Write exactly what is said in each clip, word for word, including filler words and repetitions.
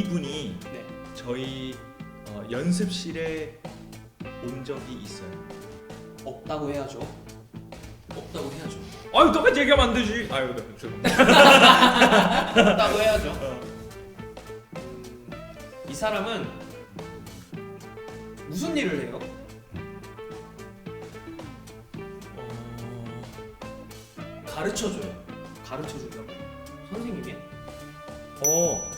이분이 네. 저희 어, 연습실에 온 적이 있어요. 없다고 해야죠. 없다고 해야죠. 아유 똑같이 얘기하면 안 되지. 아유 네, 죄송합니다. 없다고 해야죠. 어. 음, 이 사람은 무슨 일을 해요? 어... 가르쳐줘요. 가르쳐 준다고? 선생님이야? 어.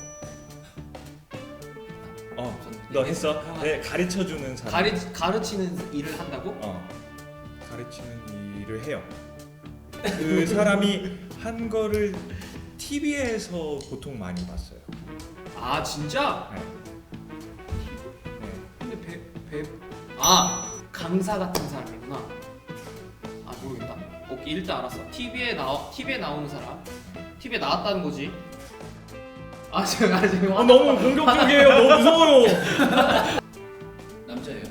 어. 너 했어? 네, 가르쳐 주는 사람. 가르 가르치는 일을 한다고? 어. 가르치는 일을 해요. 그 사람이 한 거를 티비에서 보통 많이 봤어요. 아 진짜? 네. 네. 근데 배 배 아 강사 같은 사람이구나. 아 모르겠다. 오케이 일단 알았어. 티비에 나 티비에 나오는 사람. 티비에 나왔다는 거지. 아 지금 아 지금 아, 너무 공격적이에요. 너무 무서워요. 남자예요.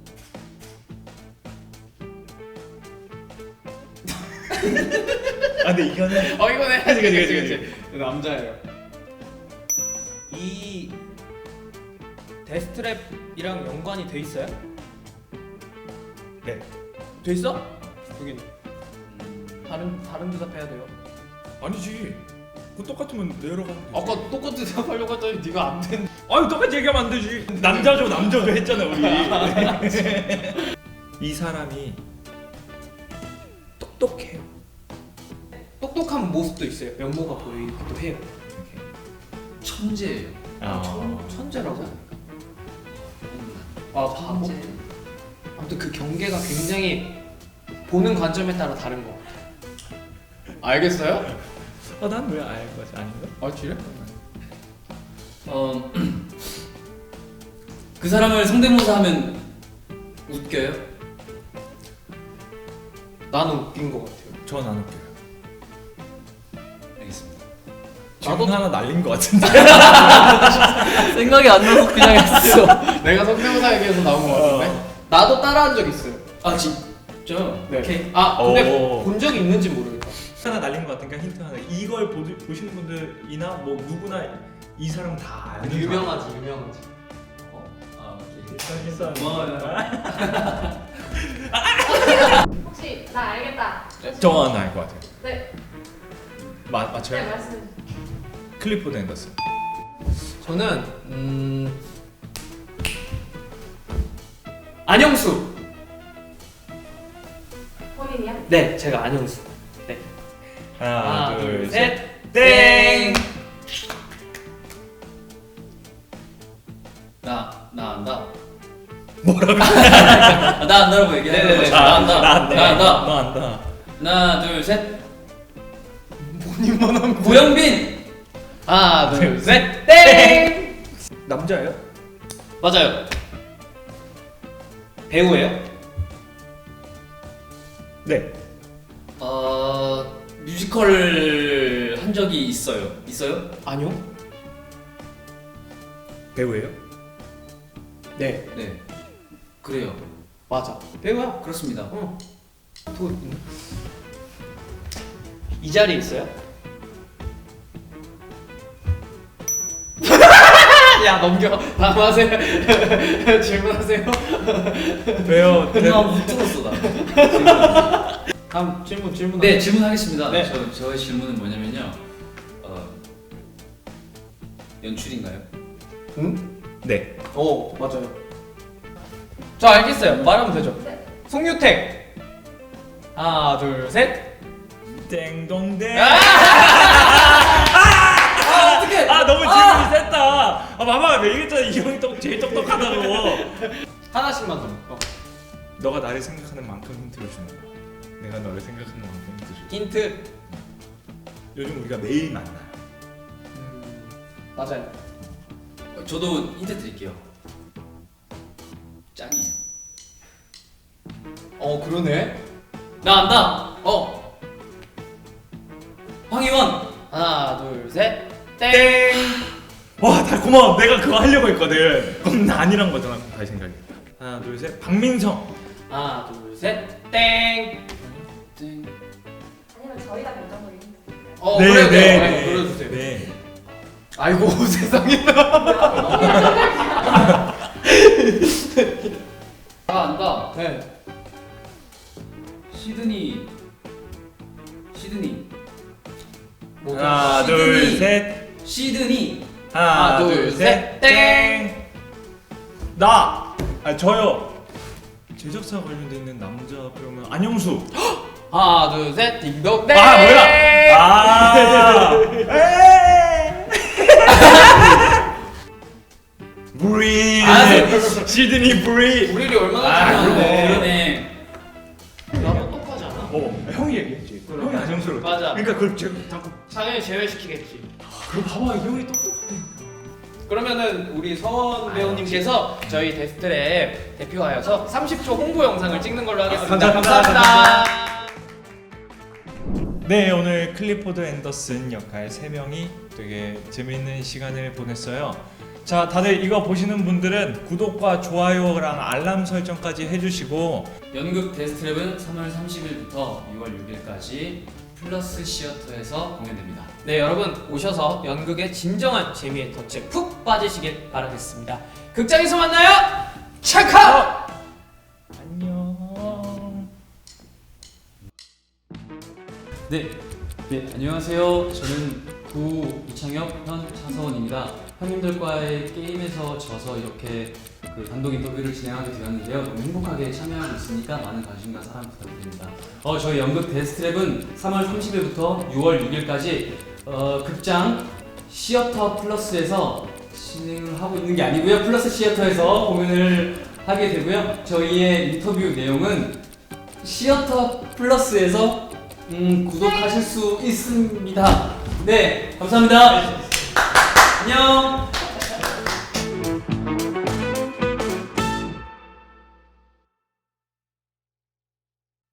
아 근데 이거는 어 이거네. 그치, 그치, 그치, 그치. 남자예요. 이 데스트랩이랑 연관이 돼 있어요? 네. 돼 있어? 여기는 음, 다른 다른 대답해야 돼요. 아니지. 그 똑같으면 내려가면 되지. 아까 똑같은 대답하려고 했더니 네가 안 된. 아유 똑같이 얘기하면 안 되지. 남자죠 남자죠 했잖아 우리. 이 사람이 똑똑해요. 똑똑한 모습도 있어요. 면모가 보이기도 해요. 이렇게. 천재예요. 아. 천, 천재라고? 음, 아 바보? 천재. 아무튼 그 경계가 굉장히 보는 관점에 따라 다른 것 같아요. 알겠어요? 아 난 왜 알 거지 아닌가? 아 그래? 어, 그 사람을 성대모사하면 웃겨요? 나는 웃긴 것 같아요. 전 안 웃겨요. 알겠습니다. 질문 나도- 하나 날린 거 같은데. 생각이 안 나서 그냥 했어. 내가 성대모사 얘기해서 나온 것 같은데? 나도 따라한 적 있어요. 아 진짜? 네. 오케이. 아 근데 오. 본 적이 있는지 모르겠다. 하나 날린 거 같으니까 힌트 하나. 이걸 보, 보시는 분들이나 뭐 누구나 이 사람 다 아는 유명하지 유명하지. 어? 아 오케이. 사람. 일단 고마워요. 혹시 나 알겠다. 저는 알 것 같아요. 네, 마, 네 맞춰요? 말씀. 클리포드 앤더슨. 저는 음 안영수. 본인이야? 네, 제가 안영수. 네. 하나, 하나, 둘, 둘, 셋. 셋. 땡. 나, 나 안다. 뭐라고? 나 안다라고 얘기해. 네네네. 나 안다. 나 안다. 나 안다. 너 안다. 하나, 둘, 셋. 본인만 하면 고영빈. 하나, 둘, 셋. 땡. 남자예요? 맞아요. 배우예요? 네. 어, 뮤지컬을 한 적이 있어요. 있어요? 아니요. 배우예요? 네, 네. 그래요. 맞아. 배우야. 그렇습니다. 어. 또 있네. 이 자리에 있어요? 야 넘겨. 다음 하세요. 질문하세요. 왜요? 나 못 들었어 나. 다음 질문 질문. 네 질문하겠습니다. 네. 저 저의 질문은 뭐냐면요. 어, 연출인가요? 응? 네. 오 맞아요. 저 알겠어요. 말하면 되죠. 네. 송유택. 하나 둘 셋. 땡동댕. 아! 아 어떡해. 아 너무 질문이 셌다. 아 봐봐 왜 얘기했잖아 이 형이 똑 제일 똑똑하다고. 하나씩만 더. 어. 너가 나를 생각하는 만큼 힌트를 주는 거야. 내가 너를 생각하는 만큼 힌트 줄. 힌트. 요즘 우리가 매일 만나요. 음, 맞아요. 어, 저도 힌트 드릴게요. 짱이에요. 어 그러네. 나 안다. 어. 황희원. 하나 둘 셋. 땡. 땡. 와, 다 고마워. 내가 그거 하려고 했거든. 그럼 나 아니란 거잖아. 다시 생각했다. 하나, 둘, 셋. 박민성. 하나 둘 셋. 땡. 땡. 아니면 저희가 결정적인 힌트 드릴까요? 어 네, 그래요. 네, 네, 네. 불러주세요. 네. 아이고 세상에. 다 안다. 네. 시드니. 시드니. 뭐죠? 하나 시드니. 둘 셋. 시드니. 하나 하나, 둘, 둘 셋, 셋. 땡. 나. 아 저요. 제작사 관련돼 있는 남자 배우면 안영수. 하나 둘 셋. 딩동 땡. 아 뭐야? 아. 에이. 브리. 아, 시드니 브리. 우리를 얼마나 아, 잘하는데. 그러네. 나도 똑하지 않아? 어 형이 얘기했지. 그래. 형이 안영수로. 맞아. 그러니까 그걸 제가 자꾸. 당연히 제외시키겠지. 그럼 봐봐 이 형이 똑똑하네. 그러면은 우리 서원 배우님께서 저희 데스트랩 대표하여서 삼십 초 홍보 영상을 찍는 걸로 하겠습니다. 아, 감사합니다. 감사합니다. 네 오늘 클리포드 앤더슨 역할 세 명이 되게 재미있는 시간을 보냈어요. 자 다들 이거 보시는 분들은 구독과 좋아요랑 알람 설정까지 해주시고 연극 데스트랩은 삼월 삼십일부터 유월 육일까지 플러스 시어터에서 공연됩니다. 네 여러분 오셔서 연극의 진정한 재미에 덫에 푹 빠지시길 바라겠습니다. 극장에서 만나요. 체크! 안녕. 네, 네 안녕하세요. 저는 구 이창혁, 현 차서원입니다. 형님들과의 게임에서 져서 이렇게 그 단독 인터뷰를 진행하게 되었는데요. 너무 행복하게 참여하고 있으니까 많은 관심과 사랑 부탁드립니다. 어, 저희 연극 데스트랩은 삼월 삼십일부터 유월 육일까지 어, 극장 시어터 플러스에서 진행을 하고 있는 게 아니고요. 플러스 시어터에서 공연을 하게 되고요. 저희의 인터뷰 내용은 시어터 플러스에서 음, 구독하실 수 있습니다. 네, 감사합니다. 안녕.